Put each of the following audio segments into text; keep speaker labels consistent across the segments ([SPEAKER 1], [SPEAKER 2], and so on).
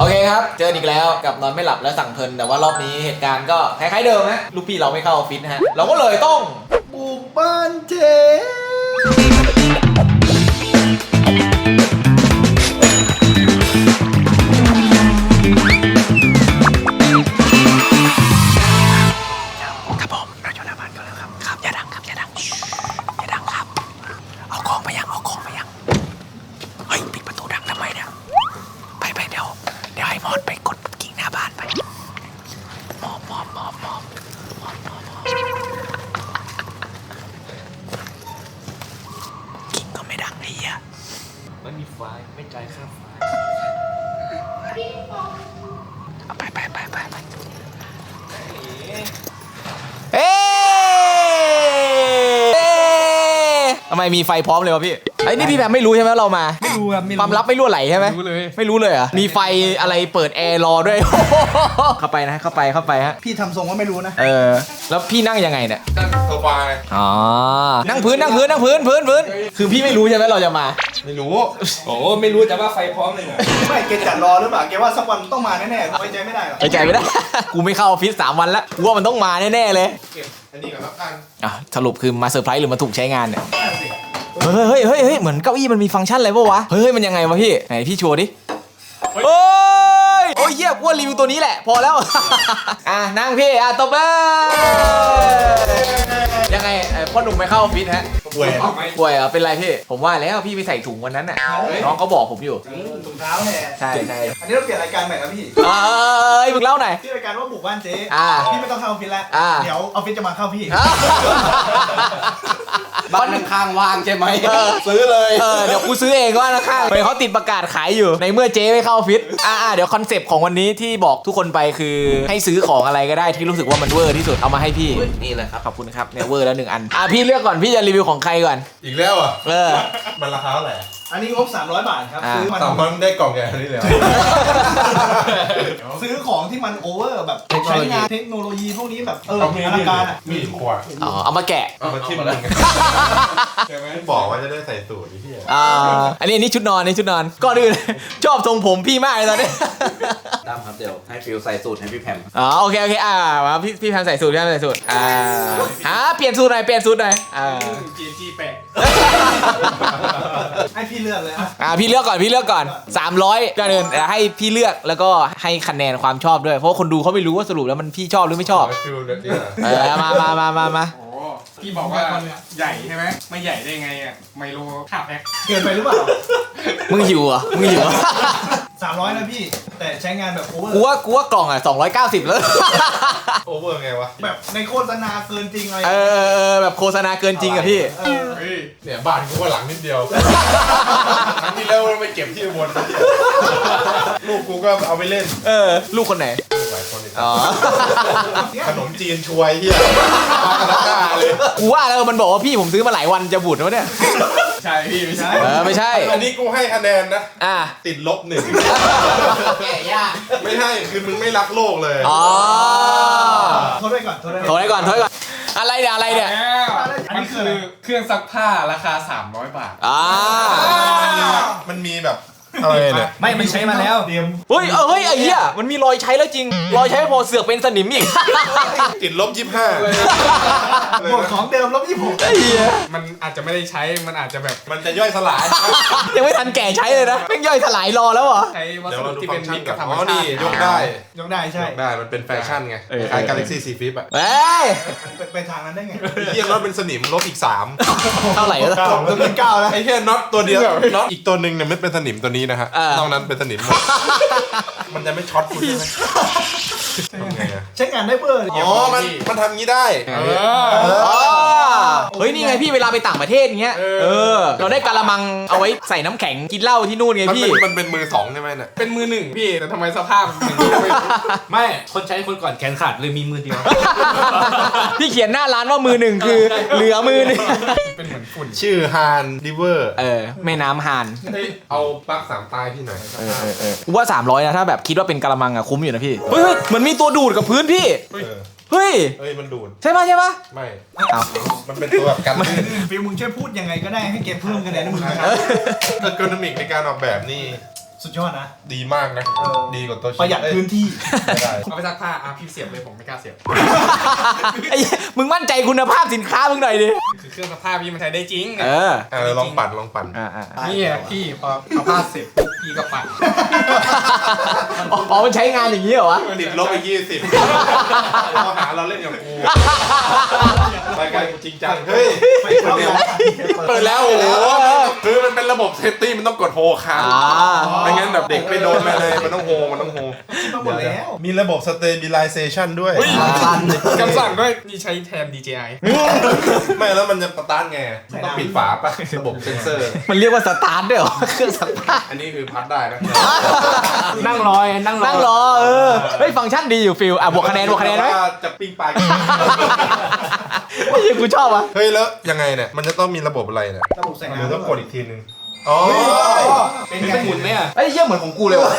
[SPEAKER 1] เคครับเจออีกแล้วกับนอนไม่หลับและสั่งเพลินแต่ว่ารอบนี้เหตุการณ์ก็คล้ายๆเดิมฮะลูกพี่เราไม่เข้าออฟฟิศนะฮะเราก็เลยต้องบุกบ้านเจ๊ไม่มีไฟไม่จ่ายค่าไฟเอาไปเอ๊ทำไมมีไฟพร้อมเลยวะพี่ไอ้นี่พี่แพมไม่รู้ใช่ไหมเรามา
[SPEAKER 2] ไม่รู้ครับ
[SPEAKER 1] ความลับไม่รั่วไหลใช่ไหมไม่รู้เลยเหรอมีไฟอะไรเปิดแอร์รอด้วยเข้าไปนะเข้าไปฮะ
[SPEAKER 2] พี่ทำทรงว่าไม่รู้นะ
[SPEAKER 1] แล้วพี่นั่งยังไงเนี่ย
[SPEAKER 3] นั่งโซฟา
[SPEAKER 1] อ๋อนั่งพื้นคือพี่ไม่รู้ใช่ไหมเราจะมา
[SPEAKER 3] ไม่รู้
[SPEAKER 2] โอ้ไม่รู้จะว่าไฟพร้อมเลยเหรอไม่เกจัดรอหรือเปล่าแกว่าสักวันต้องมาแน่ๆไว้ใจไม่ได้หรอ
[SPEAKER 1] ไว้ใจไม่ได้ กูไม่เข้าออฟฟิศ3 วันแล้วกูว่ามันต้องมาแน่ๆเลย
[SPEAKER 3] เก็บอันนี้ก่อนแล้วกัน
[SPEAKER 1] สรุปคือมาเซอร์ไพรส์หรือมาถูกใช้งานเนี่ยเฮ้ยเหมือนเก้าอี้มันมีฟังก์ชันอะไรป่าววะเฮ้ยมันยังไงวะพี่ไหนพี่โชว์ดิโอ้ยเหี้ยกูว่ารีวิวตัวนี้แหละพอแล้วนั่งพี่ตบยังไงพ่อหนุ่มไม่เข้าออฟฟิศฮะป่วยเป็นไรพี่ผมว่าแล้วพี่ไปใส่ถุงวันนั้นน่ะน้องเขาบอกผมอยู่
[SPEAKER 2] ถุงเท้าแหละ
[SPEAKER 1] ใช่
[SPEAKER 2] อันนี้เราเปลี่ยนรายการใหม่แล้วพี่
[SPEAKER 1] มึงเล่าหน่อย
[SPEAKER 2] ที่รายการว่าบุกบ้านเจ๊พี่ไม่ต้องเข้าออฟฟิศแล้วเดี๋ยวออฟฟิศจะมาเข้าพี่
[SPEAKER 1] บ้านข้างว่างใช่ไหม
[SPEAKER 3] ซื้อเลย
[SPEAKER 1] เดี๋ยวกูซื้อเองว่านะข้างเขาติดประกาศขายอยู่ในเมื่อเจ๊ไม่เข้าออฟฟิศเดี๋ยวคอนเซปต์ของวันนี้ที่บอกทุกคนไปคือให้ซื้อของอะไรก็ได้ที่รู้สึกว่ามันเวอร์ที่สุดเอามาให้พี่นี่เลยครับขอบคุณครับเนี่ยเวอร์แล้ว1 อันพี่เลือกก่อนพี่จะรีวิวของใครก่อน
[SPEAKER 3] อีกแล้วมันราคาเท่าไหร่
[SPEAKER 2] อันนี้งบ300 บาทครับซื้อ
[SPEAKER 3] มันได้กล่องใหญ่นี้เลย
[SPEAKER 2] ซื้อของที่มันโอเวอร์แบบใช้งานเทคโนโลยีพวกนี้แบบอลังการ
[SPEAKER 3] มีขวด
[SPEAKER 1] เอามาแกะ
[SPEAKER 3] เอามาทิ่มเลยใช่ไหมบอกว่าจะได้ใส่สูทที่
[SPEAKER 1] อันนี้ชุดนอนก่อนอื่นชอบทรงผมพี่มากเลยตอนนี้
[SPEAKER 4] ตามครับเดี๋ยวให้ฟิวใส่สูตรให้พี่แพม
[SPEAKER 1] โอเคมาพี่แพมใส่สูตรเปลี่ยนสูตรหน่อย
[SPEAKER 2] จีแปะให้พี่เลือกเลย
[SPEAKER 1] พี่เลือกก่อน300ก่อนอื่นให้พี่เลือกแล้วก็ให้คะแนนความชอบด้วยเพราะคนดูเขาไม่รู้ว่าสรุปแล้วมันพี่ชอบหรือไม่ชอบมา
[SPEAKER 5] พี่บอกว่าใหญ่ใช่ไหมไม่ใหญ่ได้ไงไมโล5 แพ็ค
[SPEAKER 2] เกินไปหรือเปล่า
[SPEAKER 1] มึงหิวเหรอ
[SPEAKER 2] 300นะพี่แต่ใช้งานแบบโอเวอร์
[SPEAKER 1] กูว่ากล่อง290แล้ว
[SPEAKER 3] โอเวอร์ไงวะ
[SPEAKER 2] แบบในโฆษณาเกินจริงอะไร
[SPEAKER 1] แบบโฆษณาเกินจริงอะพี่
[SPEAKER 3] เนี่ยบ้านกูก็หลังนิดเดียวครั้งที่แล้วไปเก็บที่บนลูกกูก็เอาไปเล่น
[SPEAKER 1] ลูกคนไหน
[SPEAKER 3] หลายคนขนมจีนช่วยเฮียเลย
[SPEAKER 1] กูว่าแล้วมันบอกว่าพี่ผมซื้อมาหลายวันจะบูดวะเนี่ย
[SPEAKER 5] ใช่พี่ไม่ใช่
[SPEAKER 1] ไม่ใช่
[SPEAKER 3] อันนี้กูให้คะแนนนะติดลบ1
[SPEAKER 1] แก่ยาก
[SPEAKER 3] ไม่ใช่คือมึงไม่รักโลกเลย
[SPEAKER 2] โทษได้ก่อน
[SPEAKER 1] อะไรเนี่ย
[SPEAKER 5] มันคือเครื่องซักผ้าราคา300 บาท
[SPEAKER 3] มันมีแบบอะไรเนี่ย
[SPEAKER 2] ไม่มันใช้มาแล้ว
[SPEAKER 1] เฮ้ยไอ้เหี้ยมันมีรอยใช้แล้วจริงรอยใช้พอเสือกเป็นสนิมอีก
[SPEAKER 3] ติดลบ25
[SPEAKER 2] หมดของเดิมลบ26
[SPEAKER 1] ไอ้เหี้ย
[SPEAKER 5] มันอาจจะไม่ได้ใช้มันอาจจะแบบ
[SPEAKER 3] มันจะย่อยสลาย
[SPEAKER 1] ยังไม่ทันแก่ใช้เลยนะแม่งย่อยสลายรอแล้วเหรอ
[SPEAKER 5] ใช้วัสดุที่เป็นมิตรกับธรรมชาติ
[SPEAKER 3] ยกได้
[SPEAKER 2] ใช่
[SPEAKER 3] มันเป็นแฟชั่นไงคล้าย Galaxy C Flip
[SPEAKER 2] ไปทางนั้นได้ไง
[SPEAKER 3] เฮียน็อตเป็นสนิมลบอีก3
[SPEAKER 1] เท่าไหร่แล้ว
[SPEAKER 2] 9แล้ว
[SPEAKER 3] ไอ้เฮียน็อตตัวเดียวน็อตอีกตัวนึงเนี่ยไม่เป็นสนิมตัวนี้นะฮะนอกนั้นเป็นสนิมหมดมันจะไม่ช็อตคุณใช่ไหม
[SPEAKER 2] ใช้งานได้เบอร์
[SPEAKER 3] มันทำงี้ได้
[SPEAKER 1] เฮ้ยนี่ไงพี่เวลาไปต่างประเทศเงี้ยเราได้กะละมังเอาไว้ใส่น้ำแข็งกินเหล้าที่นู่นไงพี่
[SPEAKER 3] มันเป็นมือ2ใช่ไหมเนี่ย
[SPEAKER 5] เป็นมือ1พี่แต่ทำไมสภาพ
[SPEAKER 4] ไม่คนใช้คนก่อนแขนขาดเลยมีมือเดียว
[SPEAKER 1] พี่เขียนหน้าร้านว่ามือ1คือเหลือมือนึง
[SPEAKER 5] เป็นเหมือนฝุ่น
[SPEAKER 3] ชื่อฮานริเวอร์
[SPEAKER 1] แม่น้ำฮาน
[SPEAKER 3] เอาปลั๊ก3 ปลายพี่หน่อย
[SPEAKER 1] กูว่า300นะถ้าแบบคิดว่าเป็นกะละมังอะคุ้มอยู่นะพี่เฮ้ยเหมือนมีตัวดูดกับพื้นพี่เฮ้ย
[SPEAKER 3] มันดูด
[SPEAKER 1] ใช่ปะ
[SPEAKER 3] ไม่มันเป็นตัวแบบกัน
[SPEAKER 2] ฟิลมึงช่วยพูดยังไงก็ได้ให้เก็บเพิ่มคะแนนให้มึง
[SPEAKER 3] เออร์โกนอมิกในการออกแบบนี่
[SPEAKER 2] สุดยอดนะ
[SPEAKER 3] ดีมากนะ ดีกว่าตัว
[SPEAKER 2] ประหยัดพื้นที่
[SPEAKER 3] ไม่ได้
[SPEAKER 5] เอาไปซักผ้าพี่เสียบเลยผมไม่กล้าเสียบ
[SPEAKER 1] ไอ้มึงมั่นใจคุณภาพสินค้ามึงหน่อยดิ
[SPEAKER 5] คือเครื่องซักผ้าพี่มันใช้ได้จริง
[SPEAKER 3] ลองปั่นลองปั่น
[SPEAKER 5] นี่พี่พอเอาผ้าเสร็จปุ๊บพี่ก็ปั่น
[SPEAKER 1] อ๋อมันใช้งานอย่างนี้เหรอวะ
[SPEAKER 3] ติดลบไป20เราหาเราเล่นกับกูรายการกูจริงจังเฮ้ยเปิดแล้วโอ้โหคือมันเป็นระบบเซฟตี้มันต้องกดโฮค้างไม่งั้นแบบเด็กไม่โดนอะไรมันต้องโฮ
[SPEAKER 2] มาหมดแล้ว
[SPEAKER 3] มีระบบ stabilization ด้วย
[SPEAKER 5] คำสั่งด้วยนี่ใช้แทน DJI
[SPEAKER 3] ไม่แล้วมันจะสตาร์ทไงต้องปิดฝาป่ะระบบเซนเซอร์
[SPEAKER 1] มันเรียกว่าสตาร์ทด้วยเหรอเครื่องซักผ้า
[SPEAKER 3] อันนี้คือพัดได้นะ
[SPEAKER 4] นั่งรอ
[SPEAKER 1] เฮ้ยฟังก์ชันดีอยู่ฟิลบวกคะแนนไหม
[SPEAKER 3] จะปิ้งปลา
[SPEAKER 1] ไอ้กูชอบวะ
[SPEAKER 3] เฮ้ยแล้วยังไงเนี่ยมันจะต้องมีระบบอะไรเนี่ย
[SPEAKER 2] ระบบใส่
[SPEAKER 3] เดี๋ยว
[SPEAKER 2] น้ำ
[SPEAKER 3] ต้องกดอีกทีนึงอ๋อ
[SPEAKER 2] เป็นไง
[SPEAKER 4] หมุนไหมอ่ะ
[SPEAKER 1] ไอ้เหี้ยเหมือนของกูเลยวะ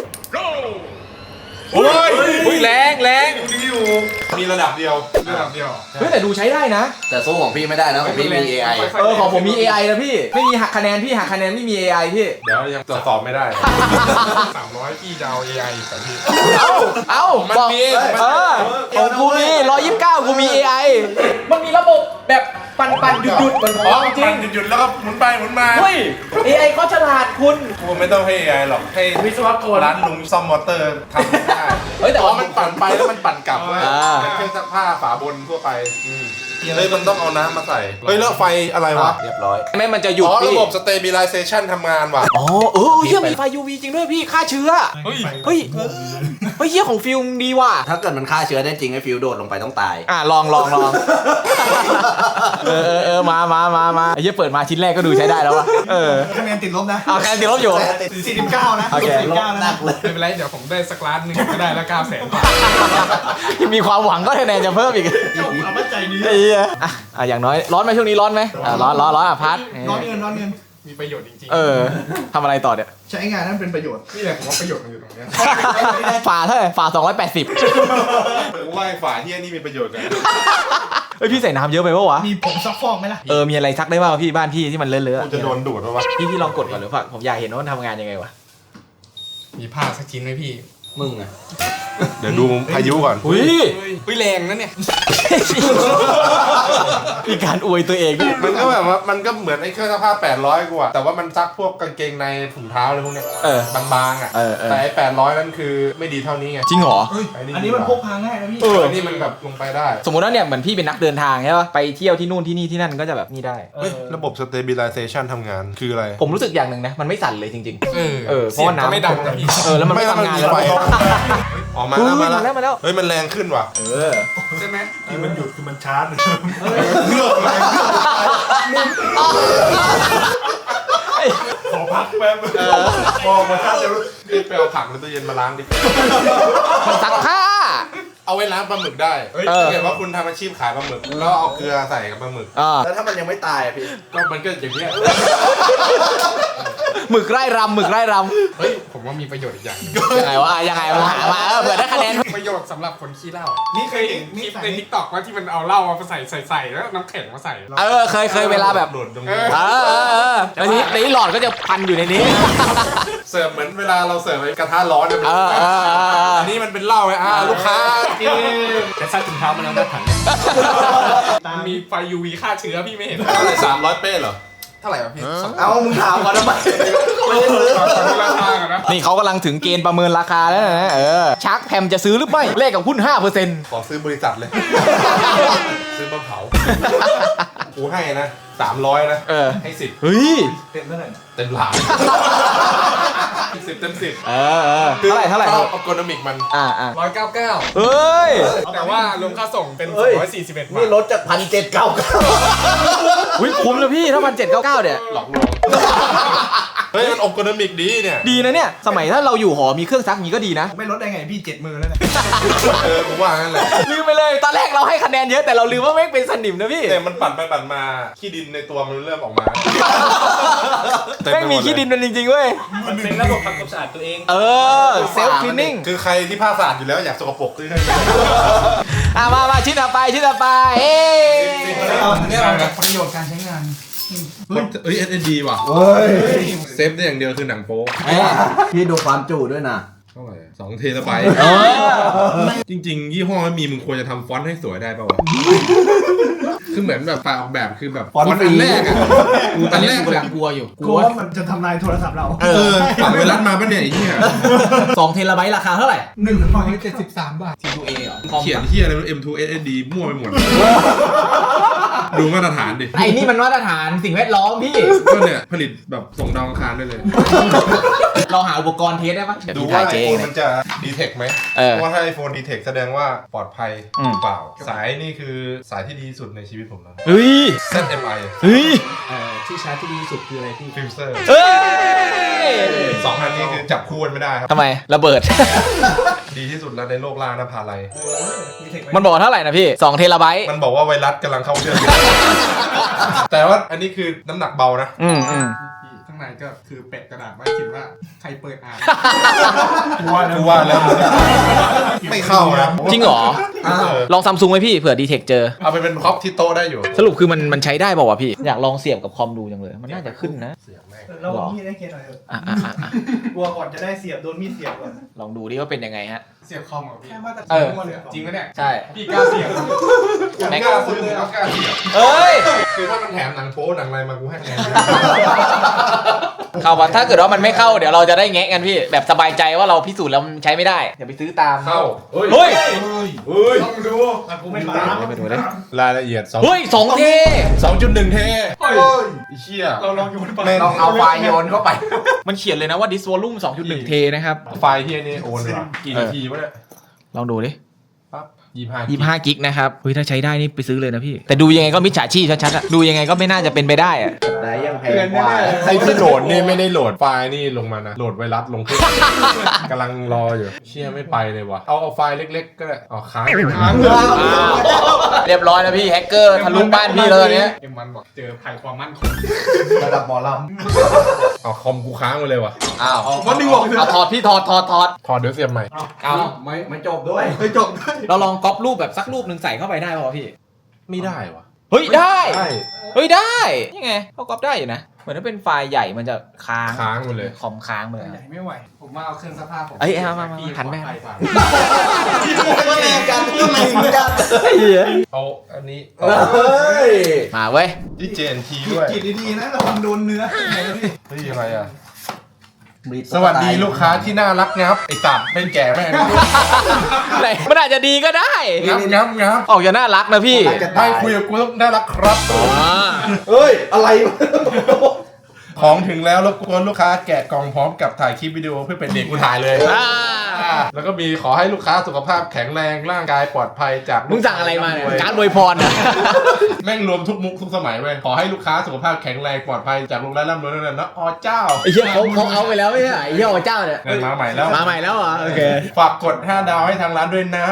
[SPEAKER 3] โอ้ย
[SPEAKER 4] แรง
[SPEAKER 3] มีระดับเดียว
[SPEAKER 1] เฮ้ยแต่ดูใช้ได้นะ
[SPEAKER 6] แต่สู้ของพี่ไม่ได้นะของพี่มี AI
[SPEAKER 1] ของผมมี AI นะพี่ไม่มีหักคะแนนพี่หักคะแนนไม่มี AI พี่
[SPEAKER 3] เดี๋ยวยังตรวจสอบไม่ได้
[SPEAKER 5] 300พี่จะเอา AI กับพี่
[SPEAKER 1] เอ้า
[SPEAKER 3] มัน
[SPEAKER 1] บอก
[SPEAKER 3] มี
[SPEAKER 1] ของกูมี129กูมี AI มันมีระบบแบบปั่นหยุดเหมือนข
[SPEAKER 3] อ๋อ
[SPEAKER 1] องจริ
[SPEAKER 3] ปั่
[SPEAKER 1] ง
[SPEAKER 3] นหยุดแล้วก็หมุนไปหมุนมา
[SPEAKER 1] เฮ้ย AI เขาฉลาดคุณ
[SPEAKER 3] กูไม่ต้องให้ AI หรอกให้
[SPEAKER 4] วิศวกร
[SPEAKER 3] ร้านลุงซ่อมมอเตอร์ทำได้
[SPEAKER 1] เฮ้ยแต่
[SPEAKER 3] อ๋อ
[SPEAKER 1] ว่า
[SPEAKER 3] มันปั่นไปแล้วมันปั่นกลับเว้ย
[SPEAKER 1] อ่า
[SPEAKER 3] เป็นเครื่องซักผ้าฝาบนทั่วไปเฮ้ยมันต้องเอาน้ำมาใส่เฮ้ยแล้วไฟอะไรวะ
[SPEAKER 1] เรียบร้อยแม่มันจะหยุด
[SPEAKER 3] อ๋อ
[SPEAKER 1] พี่
[SPEAKER 3] ระบบ stabilization ทำงานว่ะ
[SPEAKER 1] อ๋อเฮียมีไฟ UV จริงด้วยพี่ฆ่าเชื้อเฮ้ยเฮียของฟิลมดีว่ะ
[SPEAKER 6] ถ้าเกิดมันฆ่าเชื้อได้จริงไอ้ฟิวโดดลงไปต้องตาย
[SPEAKER 1] ลองมาไอ้เฮียเปิดมาชิ้นแรกก็ดูใช้ได้แล้ววะ
[SPEAKER 2] คะแนนติดลบนะ
[SPEAKER 1] คะแนนติดลบอยู่
[SPEAKER 2] 49 นะ
[SPEAKER 1] โอเค
[SPEAKER 2] 49นะ
[SPEAKER 5] ไม่เป็นไรเดี๋ยวผมได้สักล้านหนึ่งก็ได้แล้ว900,000 บาท
[SPEAKER 1] มีความหวังก็คะแนนจะเพิ่มอีก
[SPEAKER 2] เอามั่นใจดี
[SPEAKER 1] ไอ้เหี้ยอย่างน้อยร้อนไหมช่วงนี้ร้อนไหมร้อนพัด
[SPEAKER 2] ร้อนเงิน
[SPEAKER 5] มีประโยชน์จริง
[SPEAKER 1] ทำอะไรต่อเนี่ย
[SPEAKER 2] ใช้งานนั้นเป็นประโยชน์
[SPEAKER 5] ๆนี่แหละผมว่าประโยชน์มันอยู่ตรงเนี้ย
[SPEAKER 1] ฝาเท่าไหร่ฝา280
[SPEAKER 3] กูว่าไอ้ฝาเฮียนี่มีประโยชน์กัน
[SPEAKER 1] เฮ้ยพี่ใส่น้ำเยอะไปปะวะ
[SPEAKER 2] มีผมซักฟอกไหมล่ะ
[SPEAKER 1] มีอะไรซักได้บ้างพี่บ้านพี่ที่มันเลอะ
[SPEAKER 3] กูจะโดนดูดปะวะ
[SPEAKER 1] พี่ลองกดก่อนหรือเปล่าผมอยากเห็นว่ามันทำงานยังไงวะ
[SPEAKER 5] มีผ้าสักชิ้นไหมพี่
[SPEAKER 6] มึงอะ
[SPEAKER 3] เดี๋ยวดูพายุก่อน
[SPEAKER 1] อุ้ย
[SPEAKER 5] แรงนะเนี่ย
[SPEAKER 1] มีการอวยตัวเองด้วย
[SPEAKER 3] มันก็แบบว่ามันก็เหมือนไอ้เครื่องซักผ้า800กูอะแต่ว่ามันซักพวกกางเกงในถุงเท้าอะไรพวกเนี้ยบางๆอะแต่ไอ้800นั่นคือไม่ดีเท่านี้ไง
[SPEAKER 1] จริงเหรอ
[SPEAKER 2] อันนี้มันพกพาง่ายนะพี่
[SPEAKER 3] อันนี้มันแบบลงไปได้
[SPEAKER 1] สมมติว่าเนี่ยเหมือนพี่เป็นนักเดินทางใช่ปะไปเที่ยวที่นู่นที่นี่ที่นั่นก็จะแบบนี่ได้
[SPEAKER 3] เฮ้ยระบบ stabilization ทำงานคืออะไร
[SPEAKER 1] ผมรู้สึกอย่างหนึ่งนะมันไม่สั่นเลยจริงๆเพ
[SPEAKER 5] เสี
[SPEAKER 1] ราะ
[SPEAKER 5] ยง
[SPEAKER 1] ว่า
[SPEAKER 5] ก็
[SPEAKER 1] น้ำ
[SPEAKER 5] ไม่ดังนะพี่
[SPEAKER 1] แล้วมันไม่ทำงานแล้ว
[SPEAKER 3] ไฟออกมาแล้วมาแล้ว เฮ้ยมันแรงขึ้นว่ะ
[SPEAKER 5] ใช่ไหม
[SPEAKER 3] ที่มันหยุดคือมันชาร์จขอพักแป๊บพอมาชาร์จเดี๋ยวรีบไปเอาผักในตู้เย็นมาล้างดิ
[SPEAKER 1] มันซักผ้า
[SPEAKER 3] เอาไว้ล้างปลาหมึกได้ถ้าเกิดว่าคุณทำอาชีพขายปลาหมึกแล้วเอาเกลือใส่กับปลาหมึก
[SPEAKER 2] แล้วถ้ามันยังไม่ตายพี่
[SPEAKER 3] ก็มันก็อย่างเงี้ย
[SPEAKER 1] หมึกไร่รำ
[SPEAKER 5] เฮ้ยผมว่ามีประโยชน์อีกอย่างหนึ่ง
[SPEAKER 1] ยังไงวะยังไงมึงหามาเผื่อได้คะแนน
[SPEAKER 5] ประโยชน์สำหรับคนขี้เหล้า
[SPEAKER 2] นี่เคยเห็น
[SPEAKER 5] ค
[SPEAKER 2] นี่
[SPEAKER 5] ลิป
[SPEAKER 2] ใส่
[SPEAKER 5] ในทิกตอกว่าที่มันเอาเหล้ามาใส่แล้วน้ำแข็งมาใส่
[SPEAKER 1] เคยเวลาแบบ
[SPEAKER 3] โดดตรงนี้
[SPEAKER 1] แล้วนี้หลอดก็จะพันอยู่ในนี้
[SPEAKER 3] เสิร์ฟเหมือนเวลาเราเสิร์ฟไอ้กระทะร้อนเนี่ย อันนี้มันเป็นเหล้าไงลูกค้ากิน
[SPEAKER 4] จะซักถุงเท้ามันแล้วได้ถัง
[SPEAKER 5] มันมีไฟ UV ฆ่าเชื้อพี่ไม่เห็น
[SPEAKER 3] อะไร300 เป้เหรอ
[SPEAKER 5] เท่าไหร่วะพี่
[SPEAKER 2] เอามึงถามก่อนทำไม
[SPEAKER 5] ขอดูราคาก่อนนะ
[SPEAKER 1] นี่เขากำลังถึงเกณฑ์ประเมินราคาแล้วนะชาร์กแพมจะซื้อหรือไม่เลขกับหุ้น 5%
[SPEAKER 3] ขอซื้อบริษัทเลย ซื้อมาเผากูให้นะ300นะให้10
[SPEAKER 1] เฮ้ย
[SPEAKER 2] เต็มเท่าไหร่
[SPEAKER 3] เต็มหลาน10 เต็ม 10
[SPEAKER 1] เท่าไหร่
[SPEAKER 3] ชอบอัลกอริทึมมัน
[SPEAKER 5] 199
[SPEAKER 1] เฮ้ย
[SPEAKER 5] แต่ว่ารวมค่าส่งเป็น241 บาท
[SPEAKER 2] นี่ลดจาก1,799
[SPEAKER 1] อุ้ยคุ้มเลยพี่ถ้า1,799เนี่ย
[SPEAKER 3] หลอกลวงเฮ้ยมันอัลกอริทึมดีเนี่ย
[SPEAKER 1] ดีนะเนี่ยสมัยถ้าเราอยู่หอมีเครื่องซักนี้ก็ดีนะ
[SPEAKER 2] ไม่ลดได้ไงพี่7 มือแล้วเนี่ย
[SPEAKER 3] กูว่างั้นแหละ
[SPEAKER 1] ลืมไปเลยตอนแรกเราให้คะแนนเยอะแต่เราลืมว่าแม่งเป็นสนิมนะพี่
[SPEAKER 3] แต่มันปั่นไปปั่นมาขี้ดินในตัวมันเริ่มออกมา
[SPEAKER 1] แม่งมีขี้ดินเป็นจริงๆเว้ย
[SPEAKER 4] มันเป็นระบบทำความสะอาดตัวเอง
[SPEAKER 1] เซลฟ์คลีนนิ่ง
[SPEAKER 3] คือใครที่ผ้าสะอาดอยู่แล้วอยากสกปรกซื้อให้
[SPEAKER 1] มาชิ้นต่อไปเอ้
[SPEAKER 2] เนี่ยเราจากประโยชน์การใช้งาน
[SPEAKER 3] เอ้ย SSD ว่ะ
[SPEAKER 6] เฮ้ย
[SPEAKER 3] เซฟได้อย่างเดียวคือหนังโป๊
[SPEAKER 6] พี่ดูความจุด้วยนะ
[SPEAKER 3] เท่าไหร่2 เทราไบต์จริงๆ ยี่ห้อไม่มีมึงควรจะทำฟอนต์ให้สวยได้ป่าวะ คือเหมือนแบบฝ่ายออกแบบคือแบบฟอนต์อันแรกอะอันแรกแบบ
[SPEAKER 1] กลัวอยู่
[SPEAKER 2] กลัวว่ามันจะทำลายโทรศัพท์เรา
[SPEAKER 3] ฝั่งไวรัสมาปะเนี่ยไอ้เหี้ย
[SPEAKER 1] 2 เทราไบต์ราคาเท่าไหร่
[SPEAKER 2] 173 บาท
[SPEAKER 1] T2A เหรอ
[SPEAKER 3] เขียนเหี้ยอะไรไม่รู้ M2 SSD มั่วไปหมด ดูมาตรฐานดิ
[SPEAKER 1] ไอ้นี่มันมาตรฐานสิ่งแวดล้อมพี่
[SPEAKER 3] ก็เนี่ยผลิตแบบส่งดาวอังคารได้เลย
[SPEAKER 1] เราหาอุปกรณ์เทสได้ปะ
[SPEAKER 3] ดูว่าไอโฟนมันจะดีเทคไหม
[SPEAKER 1] เออ
[SPEAKER 3] เพราะว่าถ้าไอโฟนดีเทคแสดงว่าปลอดภัย
[SPEAKER 1] อืม
[SPEAKER 3] หรือเปล่า สายนี่คือสายที่ดีที่สุดในชีวิตผมแล้ว
[SPEAKER 1] เฮ้ย
[SPEAKER 3] ZMI
[SPEAKER 1] เฮ้ย
[SPEAKER 4] ที่ชาร์จที่ดีที่สุดคืออะไรพี่
[SPEAKER 3] ฟิลเซอร์
[SPEAKER 1] เฮ้ย
[SPEAKER 3] สองอันนี้คือจับคู่กันไม่ได้ครับ
[SPEAKER 1] ทำไมระเบิด
[SPEAKER 3] ดีที่สุดแล้วในโลกล่างนภาลัย
[SPEAKER 1] มันบอกว่าเท่าไหร่นะพี่2 เทราไบต์
[SPEAKER 3] มันบอกว่าไวรัสกำลังเข้าเชื่อม แต่ว่าอันนี้คือน้ำหนักเบานะ
[SPEAKER 1] อืม
[SPEAKER 5] ข้างในก็คือเป็ดกระดาษไว้เขียนว่าใครเปิดอ่าน
[SPEAKER 3] กูว่าแล้วไม่เข้านะ
[SPEAKER 1] จริงเหรอ
[SPEAKER 3] เออ
[SPEAKER 1] ลองซัมซุงไหมพี่เผื่อดีเทคเจอ
[SPEAKER 3] เอาไปเป็นพ็อปที่โต๊ะได้อยู่
[SPEAKER 1] สรุปคือมันใช้ได้เปล่าวะพี่ อยากลองเสียบกับคอมดูจังเลย มันน่าจะขึ้นนะ
[SPEAKER 2] เราเอามีดให้เกียร์หน่อยเถอะ
[SPEAKER 1] อ่ะ
[SPEAKER 2] กลัวก่อนจะได้เสียบโดนมีดเสียบก่อน
[SPEAKER 1] ลองดูดิว่าเป็นยังไงฮะ
[SPEAKER 5] เสียบคอมเหรอพี่
[SPEAKER 2] แค่มาตร
[SPEAKER 1] เอ
[SPEAKER 2] ฐาน
[SPEAKER 1] อ
[SPEAKER 2] มั่วเลย
[SPEAKER 5] จริงปะเนี่ย
[SPEAKER 1] ใช่
[SPEAKER 5] พี่กล้าเสียบ
[SPEAKER 1] แม็ก
[SPEAKER 3] กล้าซื้อก็กล้าเสียบ
[SPEAKER 1] เอ้ย
[SPEAKER 3] คือถ้ามันแถมหนังโป๊หนังอะไรมากูให้คะแนน
[SPEAKER 1] เข้ามาถ้าเกิดว่ามันไม่เข้าเดี๋ยวเราจะได้แงะกันพี่ แบบสบายใจว่าเราพิสูจน์แล้วมันใช้ไม่ได้อย่าไปซื้อตาม
[SPEAKER 3] เข้า
[SPEAKER 1] เฮ้ย
[SPEAKER 2] ต้องดูกูไม่ตาม
[SPEAKER 1] ไปดูเลย
[SPEAKER 3] รายละเอียด
[SPEAKER 1] เฮ้ย2 เท
[SPEAKER 3] 2.1 เทไอ้เหี้ย
[SPEAKER 2] เราลองอยู่บนปาก
[SPEAKER 6] ต้องเอาไฟล์โยนเข้าไป
[SPEAKER 1] มันเขียนเลยนะว่า this volume 2.1 เทนะครับ
[SPEAKER 3] ไฟล์เหี้ยนี่โอนเหรอกี่นาทีวะเนี่ย
[SPEAKER 1] ลองดูดิ
[SPEAKER 3] ปั๊บ25
[SPEAKER 1] 25 กิกนะครับเฮ้ยถ้าใช้ได้นี่ไปซื้อเลยนะพี่ แต่ดูยังไงก็มิจฉาชีพชัดๆอะดูยังไงก็ไม่น่าจะเป็นไปได้อะ
[SPEAKER 6] ไหนยังแพงกว่า
[SPEAKER 3] ไอ้ที่โหลดนี่ไม่ได้โหลดไฟล์นี่ลงมานะ โหลดไวรัสลงเครื่อง กำลังรออยู่ เชี่ยไม่ไปเลยวะเอาไฟล์เล็กๆก็ได้เอาค้าง
[SPEAKER 1] เรียบร้อยแล้วพี่แฮกเกอร์ทะลุบ้านพี่แล้วตอนเนี้ย
[SPEAKER 5] เอ็มวันบอกเจอภัยความมั่นคง
[SPEAKER 6] ระดับหมอล
[SPEAKER 3] เอาคอมกูค้างไปเลยวะ
[SPEAKER 1] อ้าว
[SPEAKER 2] วันหนึ่งบอกเลย
[SPEAKER 1] เอาถอดพี่ถอด
[SPEAKER 3] ถอดเดี๋ยวเสียบใหม่
[SPEAKER 1] เอา
[SPEAKER 6] ไม่จบด้วย
[SPEAKER 2] ไม่จบได้
[SPEAKER 1] เราลองก๊อปรูปแบบสักรูปหนึ่งใส่เข้าไปได้ป่าวะพี่
[SPEAKER 3] ไม่ได้วะ
[SPEAKER 1] เฮ้ยได้
[SPEAKER 3] ได้
[SPEAKER 1] เฮ้ยได้นี่ไงเขาก๊อปได้อยู่นะเหมือนถ้าเป็นไฟล์ใหญ่มันจะค้าง
[SPEAKER 3] ค้างไปเลย
[SPEAKER 1] คอมค้างไปเลย
[SPEAKER 5] ใหญ่ไม่ไหว ผมมาเอาเครื่องซักผ้าผม
[SPEAKER 1] เอ้ยเอามา
[SPEAKER 5] พี่
[SPEAKER 1] หันไป
[SPEAKER 5] ปลอดภัยกว่า
[SPEAKER 6] ก็แรงกันก็แรงกัน
[SPEAKER 3] เอาอันนี้
[SPEAKER 6] เฮ้ย
[SPEAKER 1] มาเว้ย
[SPEAKER 3] ที่ JNT ด้วย
[SPEAKER 2] กรีดดีๆนะระวังโดนเนื้อ
[SPEAKER 3] เฮ้ยอะไรอ่ะ สวัสดีลูกค้าที่น่ารักงับไอ้ตับเป็นแก่แม่ง
[SPEAKER 1] ไหนมันอาจจะดีก็ได้
[SPEAKER 3] งับ
[SPEAKER 1] ออกจะน่ารักนะพี่
[SPEAKER 3] ไม่คุยกับกูต้องน่ารักครับ
[SPEAKER 1] อ่า
[SPEAKER 6] เฮ้ย อะไรวะ
[SPEAKER 3] ของถึงแล้วรบกวนลูกค้าแกะกล่องพร้อมกับถ่ายคลิปวิดีโอเพื่อเป็นเด็กกูถ่ายเลย
[SPEAKER 1] อ่า
[SPEAKER 3] แล้วก็มีขอให้ลูกค้าสุขภาพแข็งแรงร่างกายปลอดภัยจาก
[SPEAKER 1] มึงสั่งอะไรมาเนี่ยการอวยพรนะ
[SPEAKER 3] แม่งรวมทุกมุกทุกสมัยเว้ยขอให้ลูกค้าสุขภาพแข็งแรงปลอดภัยจากโรงแรมร่ำรวยนั่นนะอ๋อเจ้า
[SPEAKER 1] ไอ้เหี้ยเขาเอาไปแล้วไม่ใช่เหรอไอ้เหี้ยเจ้าเนี่ย
[SPEAKER 3] เงินมาใหม่แล้ว
[SPEAKER 1] มาใหม่แล้วเหรอโอเค
[SPEAKER 3] ฝากกด 5 ดาวให้ทางร้านด้วยนะ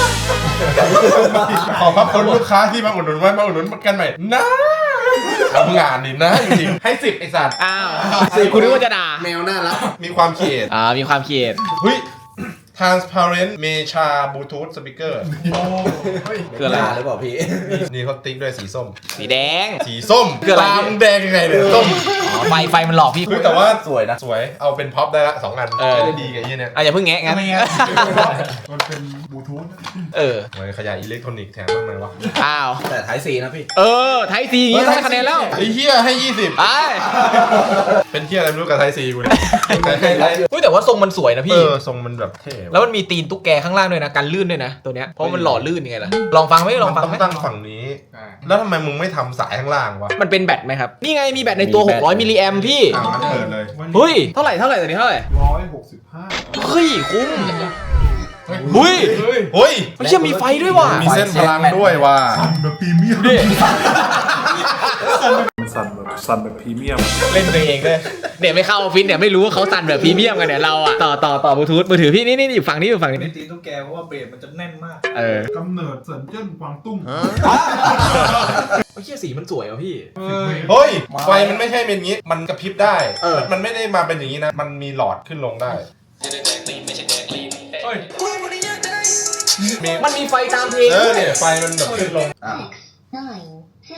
[SPEAKER 3] ขอบพระคุณลูกค้าที่มาอุดหนุนไว้มาอุดหนุนกันใหม่นะทำงานนี่นะจริงๆให้10ไอสัตว์
[SPEAKER 1] อ้าวคุณนึกว่าจะด่า
[SPEAKER 6] แมวน่ารัก
[SPEAKER 3] มีความเขียด
[SPEAKER 1] มีความเกลียด
[SPEAKER 3] เฮ้ย transparent mecha bluetooth speaker
[SPEAKER 1] คืออะไร
[SPEAKER 6] หรือเปล่าพี่
[SPEAKER 3] นี่เขาติ๊กด้วยสีส้ม
[SPEAKER 1] สีแดง
[SPEAKER 3] สีส้ม
[SPEAKER 1] คืออะไร
[SPEAKER 3] ตามแดงยังไงเนี่ยส้ม
[SPEAKER 1] อ๋อไฟมันหลอกพี่
[SPEAKER 3] เฮ้ยแต่ว่า
[SPEAKER 6] สวยนะ
[SPEAKER 3] สวยเอาเป็นพ็อปได้ละ2 อัน
[SPEAKER 1] เออ
[SPEAKER 3] จะได้ดีกับไอ้เนี่ย
[SPEAKER 1] อย่าเพิ่งแงะงั้น
[SPEAKER 5] มันเป็นบลูทูธ
[SPEAKER 1] เออ
[SPEAKER 3] ไว้ขยายอิเล็กทรอนิกส์แถมบ้างไหมวะ
[SPEAKER 1] อ้าว
[SPEAKER 6] แต่ท้ายสีนะพี่
[SPEAKER 1] ไทยซีอย่างงี้ได้คะแนนแล้ว
[SPEAKER 3] ไอ้เฮียให้ 20
[SPEAKER 1] ไอ้
[SPEAKER 3] เป็นเฮียอะไรไม่รู้กับไทยซีกูเนี่ยแต่ให้
[SPEAKER 1] เฮ้ยแต่ว่าทรงมันสวยนะ
[SPEAKER 3] เอ
[SPEAKER 1] พี่
[SPEAKER 3] อทรงมันแบบเท่
[SPEAKER 1] แล้วมันมีตีนตุ๊กแกข้างล่างด้วยนะกันลื่นด้วยนะตัวเนี้ยเพราะมันหล่อลื่นยังไงล่ะลองฟังไหมลองฟัง
[SPEAKER 3] ต้อ
[SPEAKER 1] ไหม
[SPEAKER 3] งตั้งฝั่งนี้ แล้วทำไมมึงไม่ทำสายข้างล่างวะ
[SPEAKER 1] มันเป็นแบตไหมครับนี่ไงมีแบตในตัว
[SPEAKER 6] มีแบต
[SPEAKER 1] 600มิลลิแอมพี่
[SPEAKER 3] อ่ะมันเปิดเลย
[SPEAKER 1] เฮ้ยเท่าไหร่ตัวนี้เท่าไหร่
[SPEAKER 5] 165
[SPEAKER 1] เฮ้ยคุ้มเฮ้ย
[SPEAKER 3] เฮ้ย
[SPEAKER 1] มันเชื่อมีไฟด้วยว่ะ
[SPEAKER 3] มีเส้นพลังด้วยว่ะ
[SPEAKER 5] แบบพรีเมียม
[SPEAKER 1] ดิ
[SPEAKER 5] สั่นแบบพรีเมียม
[SPEAKER 1] เล่นตัวเองเลยเดี๋ยวไม่เข้าออฟฟิศเดี๋ยวไม่รู้ว่าเขาสั่นแบบพรีเมียมกันเนี่ยเราอะต่อบลูทูธมือถือพี่นี่อยู่ฝั่งนี้อยู่ฝั่ง
[SPEAKER 2] ไม่
[SPEAKER 1] นี้
[SPEAKER 2] ตีตุ๊กแกเพราะว่าเบรดมันจะแน่นมาก
[SPEAKER 1] เออก
[SPEAKER 5] ำเนิดเซินเจิ้นกวางตุ้ง
[SPEAKER 1] เชี่ยสีมันสวยอ่ะพี่
[SPEAKER 3] เฮ้ย ไฟมันไม่ใช่เป็นอย่างงี้ มันกระพริบได้ มันไม่ได้มาเป็นอย่างงี้นะ มันมีหลอดขึ้นลงได้มี
[SPEAKER 1] มันมีไฟตามเพลง
[SPEAKER 3] เนี่ยไฟมันแบบขึ้นลง
[SPEAKER 6] อ่ะ
[SPEAKER 7] nine, seven,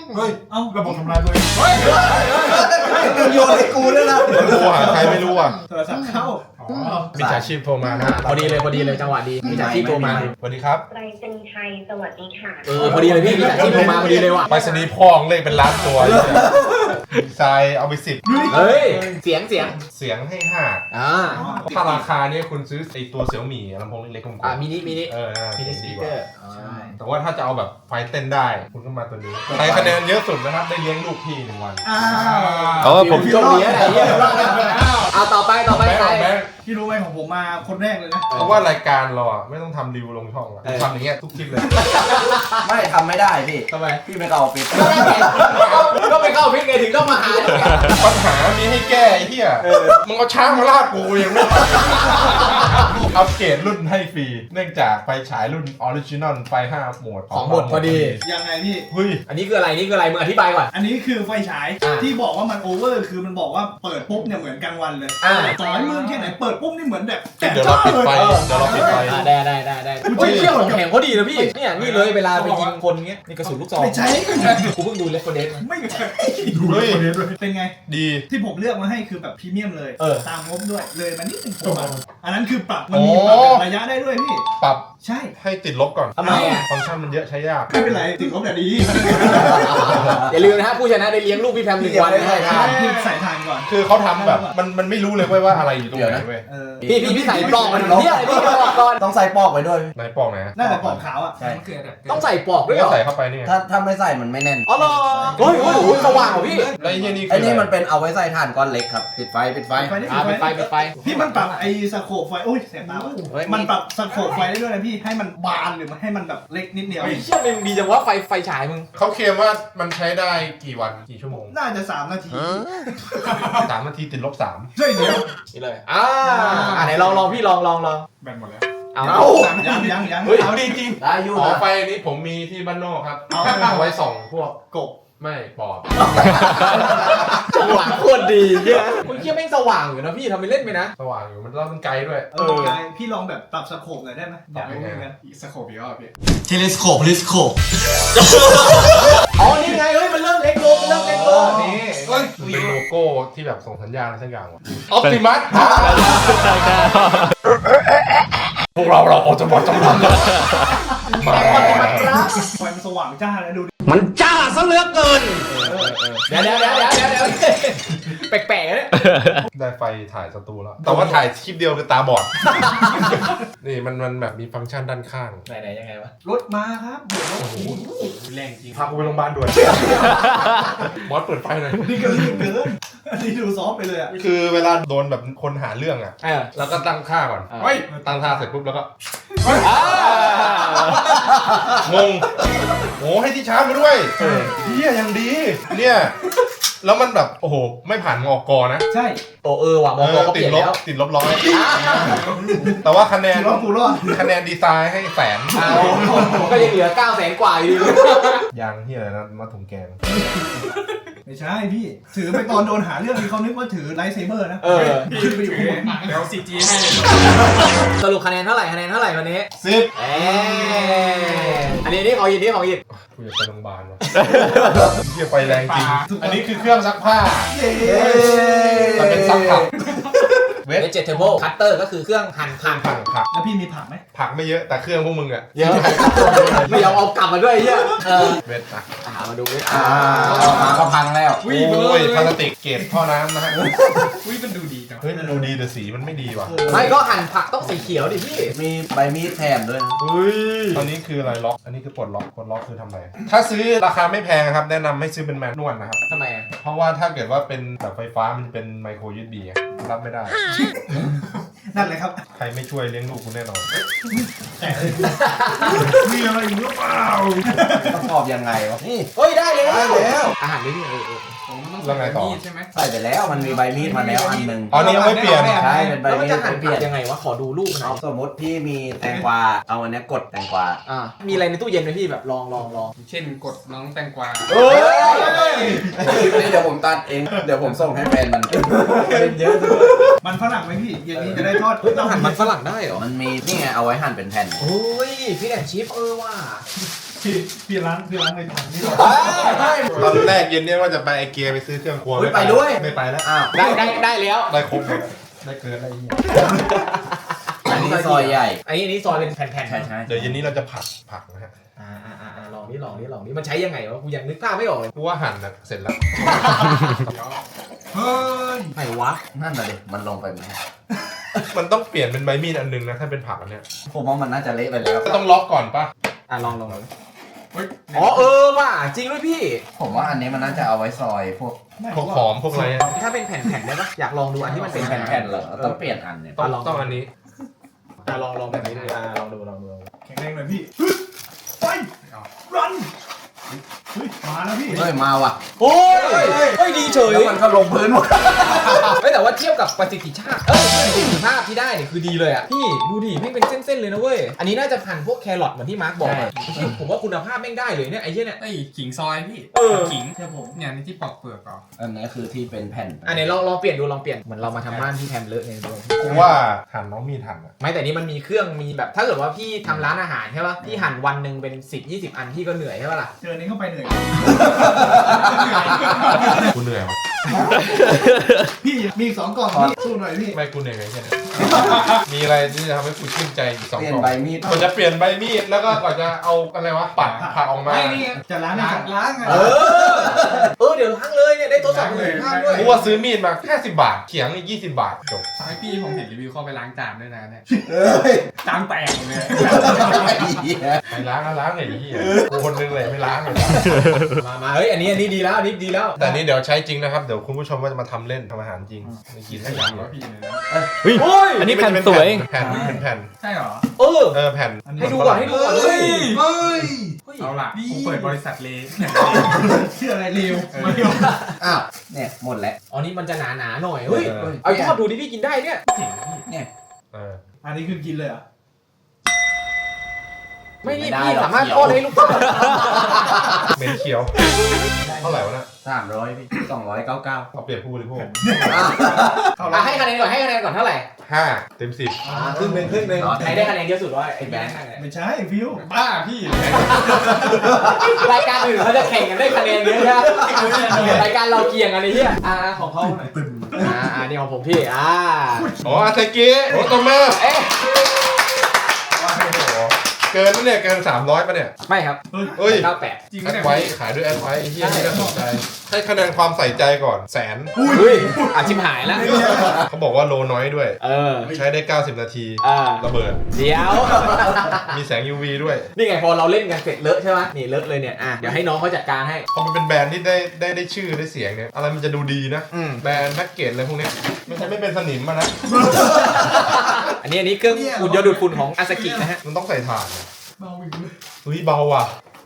[SPEAKER 5] เฮ้ยเอ้าระบบทำลายตัวเอง
[SPEAKER 6] มึงโยนให้กูด้วยนะ
[SPEAKER 3] โทรหาใครไม่รู้อ่ะ
[SPEAKER 2] โทรศัพท์เข้า
[SPEAKER 3] มิจฉาชีพโทรมานะ
[SPEAKER 1] พอดีเลยจังหวะดีมีจากที่โทรมา
[SPEAKER 3] สวัสดีครับ
[SPEAKER 7] ไปรษณีย์ไทยสวัสดีค่ะ
[SPEAKER 1] พอดีเลยพี่มีจากที่โทรมาพอดีเลยว่ะ
[SPEAKER 3] ไปสนีย์พ่องเลขเป็นล้านตัวดีไซน์เอาไป10
[SPEAKER 1] เฮ้ยเสียง
[SPEAKER 3] เสียงให้5ถ้าราคาเนี่ยคุณซื้อไอตัวเสี่ยวหมี่ลำโพงเล็กๆกลมๆ
[SPEAKER 1] มินิ
[SPEAKER 3] มินิ
[SPEAKER 1] ส
[SPEAKER 3] ดี
[SPEAKER 1] ปีก
[SPEAKER 3] ก
[SPEAKER 1] เกอ
[SPEAKER 3] ว่า
[SPEAKER 1] ร์
[SPEAKER 3] แต่ว่าถ้าจะเอาแบบไฟเต้นได้คุณก็มาตัวนี้ใครคะแนนเยอะสุดนะครับได้เลี้ยงลูกพี่1 วัน
[SPEAKER 1] ผมโชคดีอะไรเงี้ยเอาต่อไปใคร
[SPEAKER 3] แบงค์
[SPEAKER 2] พี่รู้ไหมของผมมาคนแรกเลยนะ
[SPEAKER 3] เพราะว่ารายการเราอะไม่ต้องทำรีวิวลงช่องอะทำอย่างเงี้ยทุกคลิปเลย
[SPEAKER 6] ไม่ทำไม่ได้พี่
[SPEAKER 1] ทำไม
[SPEAKER 6] พี่ไม่เข้าออฟฟิศ
[SPEAKER 1] ก็ไปเข้าพิษไงถึงต้องมาหา
[SPEAKER 3] ปัญหามีให้แก้ไอ้เหี้ยมึงเอาช้างมาลากกูยังไม่อัปเกรดรุ่นให้ฟรีเนื่องจากไฟฉายรุ่นออริจินอลไฟ5 โหมด
[SPEAKER 1] ของหมดพอดี
[SPEAKER 2] ยังไงพี่
[SPEAKER 3] เฮ้ย
[SPEAKER 1] อันนี้คืออะไรมึงอธิบายก่อน
[SPEAKER 2] อันนี้คือไฟฉาย
[SPEAKER 1] อ่า
[SPEAKER 2] ที่บอกว่ามันโอเวอร์คือมันบอกว่าเปิดปุ๊บเนี่ยเหมือนกลางวันเลย
[SPEAKER 1] อ่า
[SPEAKER 2] ต่อให้มืดแค่ไหนเปิดปุ๊บนี่เหมือนแบบ
[SPEAKER 3] เดี๋ยวเราปิดไฟเดี๋ยวเราปิดไฟ
[SPEAKER 1] ได้เฮ้ยเที่ยวของแข็งเขาดีนะพี่เนี่ยนี่เลยเวลาไปยิงคนเงี้ยนี่กระสุนลูกซอง
[SPEAKER 2] ไม่ใช่
[SPEAKER 1] กูเพิ่งดูเลฟโฟเดส
[SPEAKER 2] ไม่ใช่
[SPEAKER 3] เฮ้ย
[SPEAKER 2] เป็นไง
[SPEAKER 3] ดี
[SPEAKER 2] ที่ผมเลือกมาให้คือแบบพรีเมียมเลย
[SPEAKER 1] เออ
[SPEAKER 2] ตามงบด้วยเลยมันนิดนึงผมอะอันนั้นคือปรับมันมีปรับแบบระยะได้ด้วยพี่
[SPEAKER 3] ปรับ
[SPEAKER 2] ใช่
[SPEAKER 3] ให้ติดลบก่อน
[SPEAKER 1] ทำไมอ่ะ
[SPEAKER 3] ฟังก์ชันมันเยอะใช้ยาก
[SPEAKER 2] ไม่เป็นไรติดลบแต่ดี
[SPEAKER 1] อย่าลืมนะฮะผู้ชนะได้เลี้ยงลูกพี่แพม1 วันนะ
[SPEAKER 2] พี่ใส่ทานก่อน
[SPEAKER 3] คือเขาทำแบบมันไม่รู้เลยเว้ยว่าอะไรอยู่ตรงไหนเว้ย
[SPEAKER 2] เออ
[SPEAKER 1] พี่ใส่ปลอกมันเที่ยอะไรพี่ก็บอกก่อน
[SPEAKER 6] ต้องใส่ปอกไปด้วย
[SPEAKER 3] ไหนปอกไหนฮะ
[SPEAKER 2] น่าจะปอกขาวอ่ะ
[SPEAKER 6] ใช่
[SPEAKER 1] ต้องใส่ปลอกด้วยเหร
[SPEAKER 3] ก็
[SPEAKER 1] อ
[SPEAKER 3] ใส่เข้าไปนี่ไง
[SPEAKER 6] ถ้าไม่ใส่มันไม่แน่น
[SPEAKER 1] อ๋อเหรอโอ้ยสว่างเหรอพี่
[SPEAKER 3] แล้วไอ้เหี้ยนี่
[SPEAKER 6] ไอ้
[SPEAKER 3] คือ
[SPEAKER 6] นี่
[SPEAKER 3] อะไร
[SPEAKER 6] มันเป็นเอาไว้ใส่ถ่านก้อนเล็กครับ ปิดไฟ
[SPEAKER 1] ปิดไฟ
[SPEAKER 2] พี่มันปรับไอ้สโคปไฟโอ้ยเสียบตาว่ะ
[SPEAKER 1] เฮ้ย
[SPEAKER 2] มันปรับสโคปไฟได้ด้วยนะพี่ให้มันบานหรือมันให้มันแบบเล็กนิดเดียว
[SPEAKER 1] เฮ้ยเชี่ยมันดีจังว่าไฟฉายมึง
[SPEAKER 3] เขาเคลมว่ามันใช้ได้กี่วันกี่ชั่วโมง
[SPEAKER 2] น่าจะ3 นาที
[SPEAKER 3] 3 นาทีติดลบ 3
[SPEAKER 2] ช่วยเดียว
[SPEAKER 1] นี่เลยไหนลองพี่ลอง
[SPEAKER 5] แบนหมดแล้ว
[SPEAKER 1] เอา
[SPEAKER 2] ยัง
[SPEAKER 1] เฮ้ย
[SPEAKER 2] เอาดีจริง
[SPEAKER 6] ได้อยู่
[SPEAKER 3] อ๋อ
[SPEAKER 6] นะ
[SPEAKER 3] ไฟนี้ผมมีที่บ้านนอกครับ
[SPEAKER 2] เอา
[SPEAKER 3] เอาไว้ส่องพวก
[SPEAKER 2] กบ
[SPEAKER 3] ไม่ปอบ
[SPEAKER 1] จังหวะโคตรดีเหี้ยคุณเชี่ยแม่งสว่างอยู่นะพี่ทำไปเล่นไปนะ
[SPEAKER 3] สว่างอยู่มันแล้วมันไกลด้วย
[SPEAKER 2] กายพี่ลองแบบปรับสโคปหน่อยได้ไหมอยากรู้เหมือนกัน
[SPEAKER 5] อีกสโคปอีกรอบพี่
[SPEAKER 6] เทเลสโคป
[SPEAKER 1] อ๋อนี่ไงเฮ้ยมันเริ่มเล็กลง
[SPEAKER 3] นี่เป็นโลโก้ที่แบบส่งสัญญาณอะไรสักอย่างวะออปติมัสพวกเราออกจะบอกจำนำมา
[SPEAKER 2] ไฟมันสว่างจ้าเลยดูดิ
[SPEAKER 1] มันจ้าซะเหลือเกินเดี๋ยวแปลกๆเนี่ย
[SPEAKER 3] ได้ไฟถ่ายสตูแล้ว แต่ว่าถ่ายคลิปเดียวคือตาบอด นี่มันแบบมีฟังก์ชันด้านข้าง
[SPEAKER 1] ไหนยังไงวะ
[SPEAKER 2] รถมาครับเดี๋ยวรถ
[SPEAKER 5] แรงจริง
[SPEAKER 3] พากูไปโรงพยาบาลด่วน บอสเปิดไฟหน่อย
[SPEAKER 2] นี่ก็รีบเกินอันนี้ดูซอฟไปเลยอ่ะ
[SPEAKER 3] คือเวลาโดนแบบคนหาเรื่องอ่ะ แล้วก็ตั้งค่าก่อน
[SPEAKER 1] อ่า
[SPEAKER 3] เฮ้ย ตั้งค่าเสร็จปุ๊บแล้วก็ งงโอ้ให้ที่ชาร์จมาด้วยเฮียยังดี เนี่ย แล้วมันแบบ โอ้โห ไม่ผ่านมอกนะ
[SPEAKER 2] ใช่
[SPEAKER 1] ว่ะมองก็เป
[SPEAKER 3] ติ
[SPEAKER 1] ลี่
[SPEAKER 3] ด
[SPEAKER 1] ยน
[SPEAKER 3] ลบ
[SPEAKER 1] แล้ว
[SPEAKER 3] ติดลบร้อย แต่ว่าคะแนน
[SPEAKER 2] รอดกูรอด
[SPEAKER 3] คะแนนดีไซน์ให้100,000
[SPEAKER 1] ก็ยังเหลือ900,000 กว่าอยู่
[SPEAKER 3] ยังเฮียอะไรนะมาถุงแกง
[SPEAKER 2] ไม่ใช่พี่ถือไปตอนโดนหาเรื่องนี่เขานึกว่าถือไลท์เซเบอร์นะขึ้นไปอยู่ข้างบน
[SPEAKER 5] แล้วซีจีให้
[SPEAKER 1] สรุปคะแนนเท่าไหร่วันนี้
[SPEAKER 3] 10
[SPEAKER 1] อันนี้ของยิน
[SPEAKER 3] กูอยากไปโรงพยาบาลว่ะเฮียไฟแรงจริง อันนี้คือเครื่องซักผ้า มันเป็นซักผัก
[SPEAKER 1] เวจเทเบิลคัตเตอร์ก็คือเครื่องหั่นผัก
[SPEAKER 3] ผัก
[SPEAKER 2] แล้วพี่มีผักไหม
[SPEAKER 3] ผักไม่เยอะแต่เครื่องพวกมึงอะ
[SPEAKER 1] เยอะไม่เอากลับมาด้วยเยอะ
[SPEAKER 3] เวทอะ
[SPEAKER 1] มาดูเวท
[SPEAKER 6] มาก็พังแล้ว
[SPEAKER 3] โอ้ยพลาสติกเกรดท่อน้ำนะฮะ
[SPEAKER 5] อุ้ยมันดูดีจัง
[SPEAKER 3] เฮ้ยมันดูดีแต่สีมันไม่ดีว่ะ
[SPEAKER 1] ไม่ก็หั่นผักต้องสีเขียวดิพี่
[SPEAKER 6] มีใบมีดแถมด้วยนะ
[SPEAKER 3] เฮ้ยตอนนี้คืออะไรล็อก อันนี้คือปลดล็อกคือทำอะไร ถ้าซื้อราคาไม่แพงครับแนะนำให้ซื้อเป็นแมนนวลนะครับ
[SPEAKER 1] ทำไม
[SPEAKER 3] เพราะว่าถ้าเกิดว่าเป็นแบบไฟฟ้ามันจะเป็นไมโคร USB อะรับไม่ได้
[SPEAKER 2] นั่นเลยครับ
[SPEAKER 3] ใครไม่ช่วยเลี้ยงลูกคุณแน่นอน
[SPEAKER 2] มีอะไรอีกหรือเปล่า
[SPEAKER 6] ประกอบยังไงวะ นี่
[SPEAKER 1] เฮ้ยได้แล้ว
[SPEAKER 6] ได้แล้ว
[SPEAKER 1] อาหารนี่พี่
[SPEAKER 3] แล้วไงต่อ
[SPEAKER 5] ใช่ไหม
[SPEAKER 6] ใส่ไปแล้วมันมีใบมีดมาแล้วอันหนึ่ง
[SPEAKER 3] อ๋อนี่ยังไม่เปลี่ยน
[SPEAKER 6] ใช่เป็นใบ
[SPEAKER 1] แล้วมัน
[SPEAKER 6] มีด
[SPEAKER 1] จะหั่น
[SPEAKER 6] เป
[SPEAKER 1] ผั
[SPEAKER 6] ลี่ย
[SPEAKER 1] ก
[SPEAKER 6] น
[SPEAKER 1] ยังไงวะขอดูรูปหน่
[SPEAKER 6] เอา
[SPEAKER 1] อย
[SPEAKER 6] สมมติพี่มีแตงกวาเอาอันเนี้ยกดแตงกวา
[SPEAKER 1] มีอะไรในตู้เย็นไหมพี่แบบลอง
[SPEAKER 5] เช่นกดน้องแตงกวา
[SPEAKER 1] เฮ้ย
[SPEAKER 6] นี่เดี๋ยวผมตัดเองเดี๋ยวผมส่งให้แฟนมันเป็นเยอะ
[SPEAKER 2] มันฝรั่งไหมพี่เย็นนี้จะได้ทอด
[SPEAKER 1] เฮ้ยต้องหั่นมันฝรั่งได้เหรอ
[SPEAKER 6] มันมีนี่ไงเอาไว้หั่นเป็นแผ่น
[SPEAKER 1] โอ้ยพี่แอนชิฟว่ะ
[SPEAKER 2] พี่ล้างในถังนี่ก่อน
[SPEAKER 3] ตอนแรกเย็นเนี่ยว่าจะไปไอเกียไปซื้อเครื่องครัว
[SPEAKER 6] ไปด้วย
[SPEAKER 3] ไม่ไปแล้ว
[SPEAKER 6] อ้าว
[SPEAKER 1] ได้แล้ว
[SPEAKER 3] ได้ครบเลยได้เกินอะไรเงี้ย
[SPEAKER 6] อันนี้ซอยใหญ่
[SPEAKER 1] อันนี้ซอยเป็นแผ่นๆ
[SPEAKER 6] ใช่
[SPEAKER 3] เดี๋ยวเย็นนี้เราจะผักนะฮะ
[SPEAKER 1] ลองนี่มันใช้ยังไงวะกูยังนึกภาพไม่ออกเลย
[SPEAKER 3] กูว่าหั่นนะเสร็จแล้ว
[SPEAKER 2] เฮ้ย
[SPEAKER 1] ไหนวะ
[SPEAKER 6] นั่นน่ะดิมันลงไปไหม
[SPEAKER 3] มันต้องเปลี่ยนเป็นใบมีดอันนึงนะถ้าเป็นผักอันเนี้ย
[SPEAKER 6] ผมว่ามันน่าจะเละไปแล้ว
[SPEAKER 3] ก็ต้องล็อกก่อนป่ะ
[SPEAKER 1] ลองอ๋อว่ะจริงด้วยพี่
[SPEAKER 6] ผมว่าอันนี้มันน่าจะเอาไว้ซอยพวก
[SPEAKER 3] พวกหอมพวกอะไรอะ
[SPEAKER 1] ถ้าเป็นแผ่นๆได้ปะอยากลองดูอันที่มันเป็นแผ่
[SPEAKER 6] แผ่
[SPEAKER 1] น
[SPEAKER 6] น
[SPEAKER 1] ๆ
[SPEAKER 6] ๆเหรอต้องเปลี่ยนอันเนี่ย
[SPEAKER 3] ต้องอันนี้
[SPEAKER 1] ลองแบบนี้ดูลองดู
[SPEAKER 2] แข็งแรงหน่อยพี่ไปรันเฮ้ยมาแล้วพี่
[SPEAKER 6] เฮ้ยมาว่ะ
[SPEAKER 1] โอ้ยดีเฉย
[SPEAKER 6] แล้วมันก็ลงพื้นหมด
[SPEAKER 1] ไม่แต่ว่าเทียบกับประสิทธิภาพประสิทธิภาพที่ได้เนี่ยคือดีเลยอ่ะพี่ดูดิแม่งเป็นเส้นๆเลยนะเว้ยอันนี้น่าจะพันพวกแครอทเหมือนที่มาร์คบอกอะผมว่าคุณภาพแม่งได้เลยเนี่ยไอ้เหี้ยเนี่ย
[SPEAKER 5] ไอ้ขิงซอยพี่ขิงเชื่อผมเนี่ยนี่ที่ปอกเปลือกก่อน
[SPEAKER 6] อันนี้คือที่เป็นแผ่น
[SPEAKER 1] อันนี้ลองเปลี่ยนดูเหมือนเรามาทำบ้านที่แพมเลอะไงด้วย
[SPEAKER 3] กูว่าหั่นน้องมีดหั่นอะ
[SPEAKER 1] ไม่แต่นี่มันมีเครื่องมีแบบถ้าเกิดว่าพี่ทำร้านอาหารใช่ป่ะพี่หั่นวันหนึ่งเป็น10-20 อันพี่ก็เหนื่อยใช่ป่ะล่ะ
[SPEAKER 2] เจอนี้เข้าไปเหนื่อย
[SPEAKER 3] กูเหนื่อยว่ะ
[SPEAKER 2] พี่มีอีก2 กล่องพี่สู้หน่อยพี่
[SPEAKER 3] ไม่กูเหนื่อยไงแค่นี้มีอะไรที่จะทำให้กูชื่นใจอีกสอง
[SPEAKER 6] เปลี่ย
[SPEAKER 3] ก
[SPEAKER 6] น
[SPEAKER 3] ล่อง
[SPEAKER 6] ใบมีด
[SPEAKER 3] ก่อนจะเปลี่ยนใบมีดแล้วก็ก่อนจะเอาอะไรวะปัดผักออกมา
[SPEAKER 5] ไม่นี่
[SPEAKER 2] จะล้างไง
[SPEAKER 1] เดี๋ยวล้างเลยเนี่ยได้ทดสอบประสิทธิภาพด้วย
[SPEAKER 3] กูว่าซื้อมีดมา50 บาทเขียงนี่20 บาทจบ
[SPEAKER 5] ไอพี่ผมเห็นรีวิวเข้าไปล้างจานด้วยนะเนี่ย
[SPEAKER 6] เอ้ย
[SPEAKER 5] จานแตกเลย
[SPEAKER 3] ไม่ล้างก็ล้างไงไอ้เหี้ยกูคนนึงเลยไม่ล้างเลย
[SPEAKER 1] มาเฮ้ยอันนี้ดีแล้วอันนี้ดีแล้ว
[SPEAKER 3] แต่อันนี้เดี๋ยวใช้จริงนะครับเดี๋ยวคุณผู้ชมว่าจะมาทำเล่นทำอาหารจริงไม่กิน
[SPEAKER 5] ข
[SPEAKER 3] ให้
[SPEAKER 5] ยั
[SPEAKER 3] ยั
[SPEAKER 5] น
[SPEAKER 3] ง
[SPEAKER 5] ว่าพี่เลยนะ
[SPEAKER 4] อันนี้แผ่นสวย
[SPEAKER 3] แผ่นเป็นแผ่น
[SPEAKER 5] ใช่เหรอ
[SPEAKER 3] แผ่น
[SPEAKER 1] ให้ดูก่อนเฮ้ย
[SPEAKER 5] เอาล่ะกูเปิดบริษัทเลย
[SPEAKER 2] เชื่ออะไรเร็ว
[SPEAKER 6] อ้าวเนี่ยหมดแล้ว
[SPEAKER 1] อ๋อนี่มันจะหนาหน่อยเฮ้ยเอาทอดดูดิพี่กินได้เนี่ย
[SPEAKER 5] จริงพี่
[SPEAKER 6] เนี่ย
[SPEAKER 2] อันนี้คือกินเลยเหรอ
[SPEAKER 1] ไม่นี่พี่สามารถทอดให้ลูกค้า
[SPEAKER 3] เหม็นเขียวเท่าไหร่วะน่ะ
[SPEAKER 6] 300พี่299
[SPEAKER 3] เอาเปรียบผู้บริโภค
[SPEAKER 1] ให้คะแนนก่อนเท่าไหร่
[SPEAKER 3] 5 เต็ม 10
[SPEAKER 1] ครึ่งหนึ่งใครได้คะแนนเยอะสุดว่าไอ้แบงค์
[SPEAKER 2] ไม่ใช่ฟิว
[SPEAKER 5] บ้าพี่
[SPEAKER 1] รายการอื่นเขาจะแข่งกันได้คะแนนเยอะนะรายการเราเกี่ยงกันไอ้เหี้ยของเขาหน่อยนี่ของผมพี่
[SPEAKER 3] อ๋ออาซากิโอโตเมะ
[SPEAKER 1] เอ๊ะ
[SPEAKER 3] เกินแล้วเนี่ยเกิน300ป่ะเนี่ย
[SPEAKER 1] ไม่ครับ
[SPEAKER 3] เฮ้ย
[SPEAKER 1] 98
[SPEAKER 5] จริง
[SPEAKER 3] แอ
[SPEAKER 5] ไหม
[SPEAKER 3] ดไว้ขายด้วยแอดไว้ไอ้เหี้ยนี่น่าสนใจให้คะแนนความใส่ใจก่อน100,000
[SPEAKER 1] เฮ้ยชิมหายแล้ว
[SPEAKER 3] เขาบอกว่าโลน้อยด้วย ใช้ได้ 90 นาที ระเบิด
[SPEAKER 1] เดี๋ยว
[SPEAKER 3] มีแสง UV ด้วย
[SPEAKER 1] นี่ไงพอเราเล่นกันเสร็จเลอะใช่ไหมนี่เลอะเลยเนี่ยเดี๋ยวให้น้องเขาจัดการให้
[SPEAKER 3] พอมันเป็นแบรนด์ที่ได้ชื่อได้เสียงเนี่ยอะไรมันจะดูดีนะ แบรนด์แพ็กเกจอะไรพวกเนี้ยไม่ใช่ไม่เป็นสนิมมานะ
[SPEAKER 1] อันนี้เครื่องอุ่นยนต์ดูดฝุ่นของอาซากินะฮะ
[SPEAKER 3] มันต้องใส่ถ่าน
[SPEAKER 2] เบาอีกเลย
[SPEAKER 3] เฮ้ยเบาว่ะ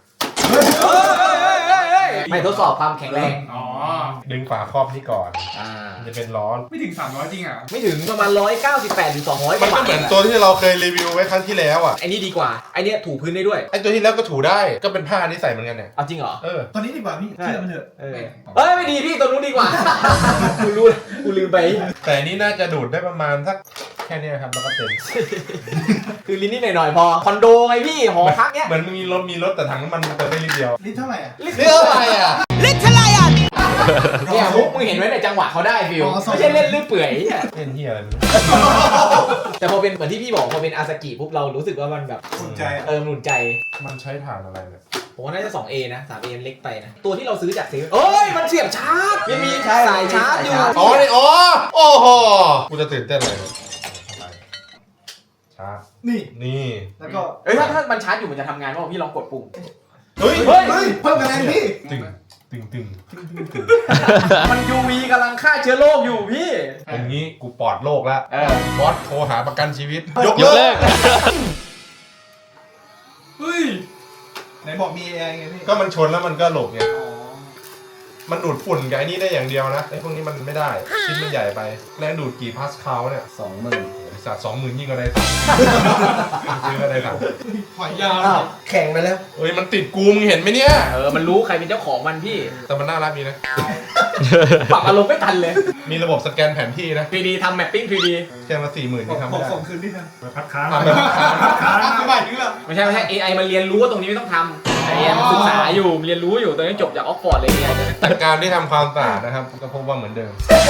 [SPEAKER 1] ไม่ทดสอบความแข็งแรง
[SPEAKER 5] อ๋อ
[SPEAKER 3] ดึงฝาครอบนี่ก่อนมันจะเป็นล้อ
[SPEAKER 5] ไม่ถึง300จริงอ่ะ
[SPEAKER 1] ไม่ถึงประมาณ198หรือ200
[SPEAKER 3] มันก็เหมือนตัวที่เราเคยรีวิวไว้ครั้งที่แล้วอ่ะ
[SPEAKER 1] ไอ้นี่ดีกว่าไอ้นี่ถูพื้นได้ด้วย
[SPEAKER 3] ไอตัวที่แล้วก็ถูได้ก็เป็นผ้าที่ใส่เหมือนกันเนี่ย
[SPEAKER 1] เอาจริงเหรอ
[SPEAKER 2] ตอนนี้ดีกว่าพี่เชื่อมันเถอะ
[SPEAKER 1] เอ้ยไม่ดีพี่ตัวนู้นดีกว่า กูลืมไป
[SPEAKER 3] แต่อันนี้น่าจะดูดได้ประมาณสักแค่เนี้ยครับแล้วก็เต็ม
[SPEAKER 1] คือลิ้นนิดหน่อยๆพอคอนโดไงพี่หอพักเนี้ย
[SPEAKER 3] เหมือนมีรถแต่ถังน้ำมันเติมได้ลิตรเดียว
[SPEAKER 2] ลิตรเท่าไหร่อ่ะ
[SPEAKER 3] นี่อะไรอ่ะ
[SPEAKER 1] เนี่ยมุกมึงเห็นไว้ในจังหวะเขาได้ฟิวไม่ใช่เล่นลื่นเปื่อย
[SPEAKER 3] เล่นที่อะไรมัน
[SPEAKER 1] แต่พอเป็นเหมือนที่พี่บอกพอเป็นอาซากิปุ๊บเรารู้สึกว่ามันแบบ
[SPEAKER 2] สนใจอ่ะ
[SPEAKER 1] หนุนใจ
[SPEAKER 3] มันใช้ถ่านอะไรเนี่ย
[SPEAKER 1] ผมว่าน่าจะ 2A นะ 3A เล็กไปนะ ตัวที่เราซื้อจากเซเว่นเอ้ย มันเสียบชาร์จยังมีสายชาร์จอยู่
[SPEAKER 3] อ๋อนี่อ๋อโอ้โหกูจะตื่นเต้นเลยชาร์จ
[SPEAKER 2] นี่
[SPEAKER 3] นี่
[SPEAKER 2] แล้วก็
[SPEAKER 1] เอ้ยถ้ามันชาร์จอยู่มันจะทำงานป่ะพี่ลองกดปุ่ม
[SPEAKER 3] เฮ้ย
[SPEAKER 1] เฮ้ย
[SPEAKER 2] เฮ้ยเพิ่มคะแนนพี่
[SPEAKER 3] ตึงตึง
[SPEAKER 1] มัน UV กำลังฆ่าเชื้อโรคอยู่พี่
[SPEAKER 3] อย่างนี้กูปลอดโรคแล้ว บอสโทรหาประกันชีวิต
[SPEAKER 4] ยกเลิก
[SPEAKER 5] เฮ้ย
[SPEAKER 2] ไหนบอกมีแอร์ไงพี่
[SPEAKER 3] ก็มันชนแล้วมันก็หลบไงมันดูดฝุ่นกับไอ้นี่ได้อย่างเดียวนะไอ้พวกนี้มันไม่ได้ชิ้นมันใหญ่ไปแรงดูดกี่พาสคาลเนี่ย
[SPEAKER 6] 20,000
[SPEAKER 3] ไอ้สัตว์20,000ยิ่งกว่าได้สั่งซื้อก็ได้สั่ง
[SPEAKER 2] หอยยาว
[SPEAKER 6] อ้าวแข่งไปแล้ว
[SPEAKER 3] เอ้ยมันติดกูมึงเห็นไหมเนี่ย
[SPEAKER 1] มันรู้ใครเป็นเจ้าของมันพี่
[SPEAKER 3] แต่มันน่ารักดีนะ
[SPEAKER 1] ปรับอารมณ์ไม่ทันเลย
[SPEAKER 3] มีระบบสแกนแผนที่นะ
[SPEAKER 1] 3D ทำแมปปิ้ง 3D
[SPEAKER 3] แค่มา40,000ที่ทำไม่ได้
[SPEAKER 2] ส่งคืนที่นั่น
[SPEAKER 3] ทำแบบ
[SPEAKER 2] ค้างไม่ไหวถึงแล้ว
[SPEAKER 1] ไม่ใช่ AI มันเรียนรู้ว่าตรงนี้ไม่ต้องทำไอ้ยังศึกษาอยู่เรียนรู้อยู่ตอนนี้จบจากออกฟอร์ดเลยไง
[SPEAKER 3] จากการที่ทำความสะอาดนะครับก็พบว่าเหมือนเดิม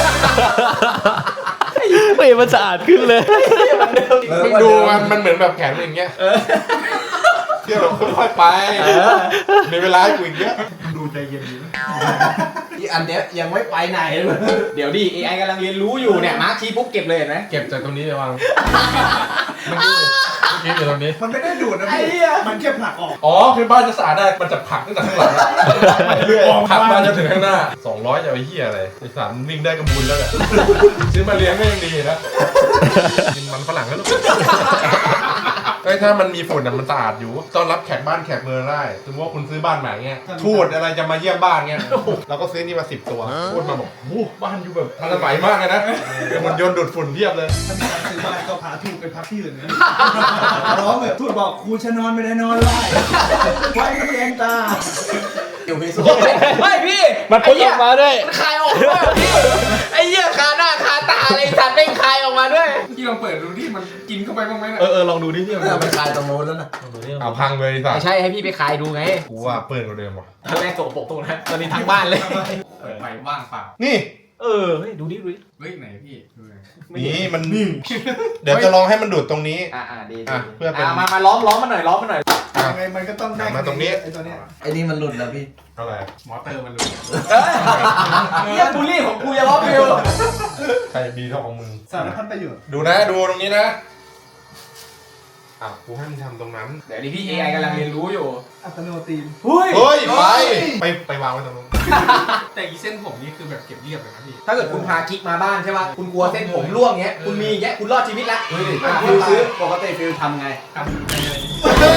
[SPEAKER 1] เฮ้ยมันสะอาดขึ้นเลย
[SPEAKER 3] มึงดูมันเหมือนแบบแขนเป็นอย่างเงี้ยเที่ยวแบบค่อยๆไปมีเวลาให้กูอีกเยอะ
[SPEAKER 2] ดูใจเย็นดี
[SPEAKER 6] อีอันเนี้ยยังไม่ไปไหนเลย
[SPEAKER 1] เดี๋ยวดิ AI กำลังเรียนรู้อยู่เนี่ยมาร์คทีปุ๊บเก็บเลยเห็นไหม
[SPEAKER 3] เก็บจากตรงนี้ไปวางเมื่อกี้อยู่ตรงนี้
[SPEAKER 2] มันไม่ได้ดูดนะพี่มันแค่ผลักออก
[SPEAKER 3] อ๋อคือบ้านจะสะอาดได้มันจะผลักตั้งแต่ข้างหลังผลักมาจนถึงข้างหน้า200จะไปเหี้ยอะไรไอ้สารวิ่งได้ก็บุญแล้วแหละซื้อมาเลี้ยงก็ยังดีนะกินมันฝรั่งก็ลูกถ้ามันมีฝุ่นมันสะอาดอยู่ต้อนรับแขกบ้านแขกเมืองได้สมมติว่าคุณซื้อบ้านใหม่เงี้ยทูตอะไรจะมาเยี่ยมบ้านเงี้ยเราก็ซื้อนี่มา10 ตัวทูตมาบอกโอ้บ้านอยู่แบบทันสมัยมากเลยนะมันยนต์ดูดฝุ่นเทียบเลย
[SPEAKER 2] ถ้ามีการซื้อบ้านก็พาทูตไปพักที่อื่นนะร้องแบบทูตบอกครูจะนอนไม่ได้นอนไล่ไว้มันแรงตา
[SPEAKER 6] อยู่พิสูจ
[SPEAKER 1] ไม่พี่
[SPEAKER 4] มันพ่นออกมาด้วย
[SPEAKER 1] มันคายออกด้วยพี่ไอ้เหี้ยคาหน้าคาตาอะไรสัตว์แม่งคายออกมาด้วย
[SPEAKER 5] ที่ลองเปิดดูที่มันกินเข้าไปบ้างไหมนะ
[SPEAKER 1] ลองดูดิพี่
[SPEAKER 6] เอาไปคลายตรงโน้นแล้วนะ
[SPEAKER 3] เอาพังเลยสัต
[SPEAKER 1] ไม่
[SPEAKER 3] ว์
[SPEAKER 1] ใช่ให้พี่ไปคายดูไง
[SPEAKER 3] กูว่าเปิดกว่าเดิมว่ะ
[SPEAKER 1] ตอนแรกสกปรกตรงนั้นตอนนี้ทั้งบ้านเลย
[SPEAKER 5] เปิดไปว่างเปล่า
[SPEAKER 3] นี่
[SPEAKER 1] เฮ้ยดูดิ
[SPEAKER 5] เฮ้ยไหนพี่ดูหน่อย
[SPEAKER 3] นี่มันเดี๋ยวจะลองให้มันดูดตรงนี้
[SPEAKER 1] ดี
[SPEAKER 3] อ่ะเพื่อเป็น
[SPEAKER 1] มาล้อมมันหน่อยล้อมมันหน่อย
[SPEAKER 2] ยังไงมันก็ต้องได้
[SPEAKER 3] มาตรงนี้
[SPEAKER 2] ไอ้ตัวเนี้ย
[SPEAKER 6] ไอ้นี่มันหลุดแล้วพี่
[SPEAKER 3] อะไร
[SPEAKER 5] มอเตอร์มันรู้
[SPEAKER 1] เฮียบูลลี่ของกูอย่าล้อมฟิว
[SPEAKER 3] ใครดีเท่าของมึง
[SPEAKER 2] สารพัดประโยชน์
[SPEAKER 3] ดูนะดูตรงนี้นะอ้าวกูให้มึงทำตรงนั้น
[SPEAKER 1] เดี๋ยวดิพี่ AI กำลังเรียนรู้อยู่
[SPEAKER 2] อัตโนตีน
[SPEAKER 1] เฮ้ย
[SPEAKER 3] เฮ้ยไปวางไว้ตรงนู้น
[SPEAKER 5] แต่อีเส้นผมนี่คือแบบเก็บเรียบเลยนะพี่
[SPEAKER 1] ถ้าเกิดคุณพากิ๊กมาบ้านใช่ป่ะคุณกลัวเส้นผมร่วงเงี้ยคุณมีอย่างเงี้ยคุณรอดชีวิตละฟิวซื้อ
[SPEAKER 6] ปกติฟิลทำไง
[SPEAKER 5] ทำไปเลย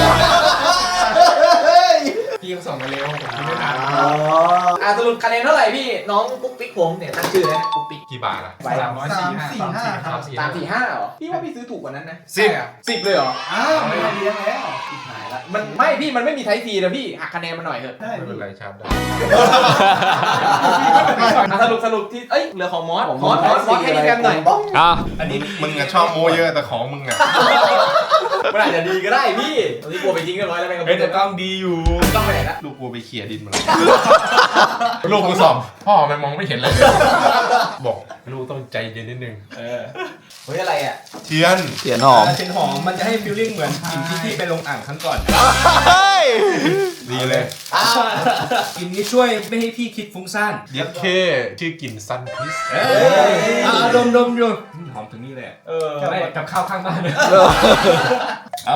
[SPEAKER 5] พี่ก็ส่งมาเร็วผมคิดไม่ทัน
[SPEAKER 1] สรุปคะแนนเท่าไหร่พี่น้องปุ๊กปิ๊กผมเนี่ยตั้งชื่อนะปุ๊กปิ๊ก
[SPEAKER 3] กี่บาทอ่ะ
[SPEAKER 5] 345
[SPEAKER 2] ครับ
[SPEAKER 1] 345เหรอพี่ว่าพี่ซื้อถูกกว่านั้นนะ
[SPEAKER 3] 10
[SPEAKER 1] 10เลยเหรอ
[SPEAKER 2] อ้าวไม่ได้เลี้ยงแล้ว
[SPEAKER 1] หายละมันไม่พี่มันไม่มีไทป์ซีนะพี่หักคะแนนมาหน่อยเถอะ
[SPEAKER 2] ได้
[SPEAKER 3] ไม่เป็
[SPEAKER 2] พี่
[SPEAKER 3] นไรชาร์จได้
[SPEAKER 1] สรุปที่เหลือของมอสให้ดีแกมหน่อย
[SPEAKER 5] อันนี้
[SPEAKER 3] มึงอะชอบโมเยอะแต่ของมึงอะ
[SPEAKER 1] มันอาจจะดีก็ได้พี่ตอนนี้กลัวไปจริงเรียบร้อยแล้วแม่งก็
[SPEAKER 3] เฮ้ยแต่กล้องดีอยู่
[SPEAKER 1] ต้องไปไหนละ
[SPEAKER 3] ลูกกูไปเขี่ยดินมาลูกกูสอบพ่อมันมองไม่เห็นเลยบอกลูกต้องใจเย็นนิดนึง
[SPEAKER 1] เฮ้ยอะไรอ่ะ
[SPEAKER 3] เทียน
[SPEAKER 1] เสียงหอม
[SPEAKER 5] เทียนหอมมันจะให้ฟีลลิ่งเหมือนกลิ่นที่พี่ไปลงอ่างครั้งก่อน
[SPEAKER 3] ดีเลย
[SPEAKER 5] กลิ่นนี้ช่วยไม่ให้พี่คิดฟุ้งซ่าน
[SPEAKER 3] เย็ดเคชื่อกลิ่นซันพิส
[SPEAKER 5] ดมอยู่หอมถึงนี่เลยไม่กับข้าวข้างบ้านเลยเอา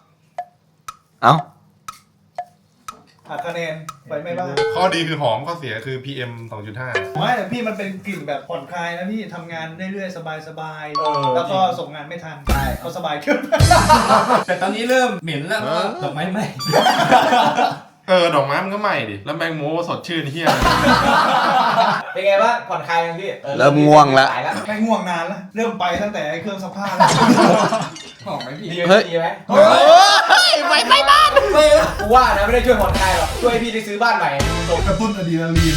[SPEAKER 2] หักคะแนนไปไม่บ้าง
[SPEAKER 3] ข้อดีคือหอมข้อเสียคือ PM 2.5
[SPEAKER 2] ไม่แต่พี่มันเป็นกลิ่นแบบผ่อนคลายนะพี่ทำงานเรื่อยๆสบายๆแล้วก็ส่งงานไม่ทันใช่เขาสบายขึ้น
[SPEAKER 5] แต่ตอนนี้เริ่มเหม็นแล้วเพราะว่าดอกไม้ไหม้
[SPEAKER 3] ดอกไม้มันก็ใหม่ดิแล้วแมงโมสดชื่นเฮีย
[SPEAKER 1] เป็นไงบ้างผ่อนคลายยังพี่
[SPEAKER 6] เริ่มง่วงแล้ว
[SPEAKER 2] ไม่ง่วงนานแล้วเริ่มไปตั้งแต่ไอ้เครื่องซักผ้าแล้ว
[SPEAKER 5] หอมไหมพี่
[SPEAKER 1] ดีไหมไปบ้านกูว่านะไม่ได้ช่วยผ่อนคลายหรอกช่วยพี่ได้ซื้อบ้านใหม่ส่ง
[SPEAKER 2] กระตุ้นอะดรีนาลีน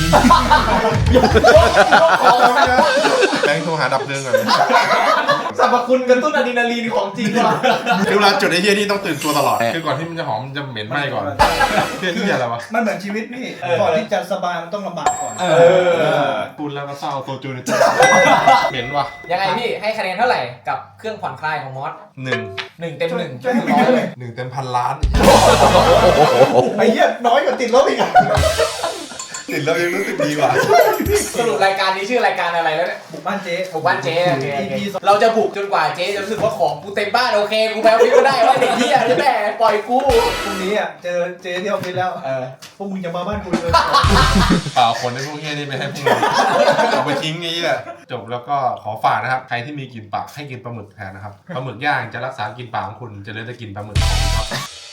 [SPEAKER 3] แบงค์โทรหาดับเพลิงก่อน
[SPEAKER 1] สรรพคุณกระตุ้นอะดรีนาลีนของจริงว่ะ
[SPEAKER 3] คือเวลาจุดไอ้เฮียนี่ต้องตื่นตัวตลอดคือก่อนที่มันจะหอมมันจะเหม็นไหม้ก่อนเฮียที่อะไรวะ
[SPEAKER 2] มันเหมือนชีวิตพี่ก่อนที่จะสบายมันต้องลำบากก่อน
[SPEAKER 3] พูดแล้วก็เศร้าโซจูนเหม็นว่ะ
[SPEAKER 1] ยังไงพี่ให้คะแนนเท่าไหร่กับเครื่องผ่อนคลายของมอส
[SPEAKER 3] 1
[SPEAKER 1] 1 เต็ม 1
[SPEAKER 2] ช่วยให้มันเยอะเลย
[SPEAKER 3] 1 เต็ม1,000 ล้าน
[SPEAKER 2] ไอ้เหี้ยน้อยกว่าติดลบอีกอ่ะ
[SPEAKER 3] ติดแล้วยังรู้สึกดีกว่า
[SPEAKER 1] สรุปรายการนี้ชื่อรายการอะไรแล้วเนี่ย
[SPEAKER 2] บุกบ้านเจ๊
[SPEAKER 1] บุกบ้านเจ๊โอเคเราจะบุกจนกว่าเจ๊จะรู้สึกว่าของกูเต็มบ้านโอเคกูไปเอาพิก็ได้ว่าเด็กเหี้ยใช่ไหมปล่อยกู
[SPEAKER 2] พรุ่งนี้อ่ะเจอเจ๊ที่ออฟฟิศแล้วพวกมึงจะมาบ้านกูเลย
[SPEAKER 3] เปล่าคนในพวกเฮียนี่ไม่ให้พวกมึงเอาไปทิ้งงี้แหละจบแล้วก็ขอฝากนะครับใครที่มีกลิ่นปากให้กินปลาหมึกแทนนะครับปลาหมึกย่างจะรักษากลิ่นปากของคุณจะเหลือแต่กลิ่นปลาหมึกครับ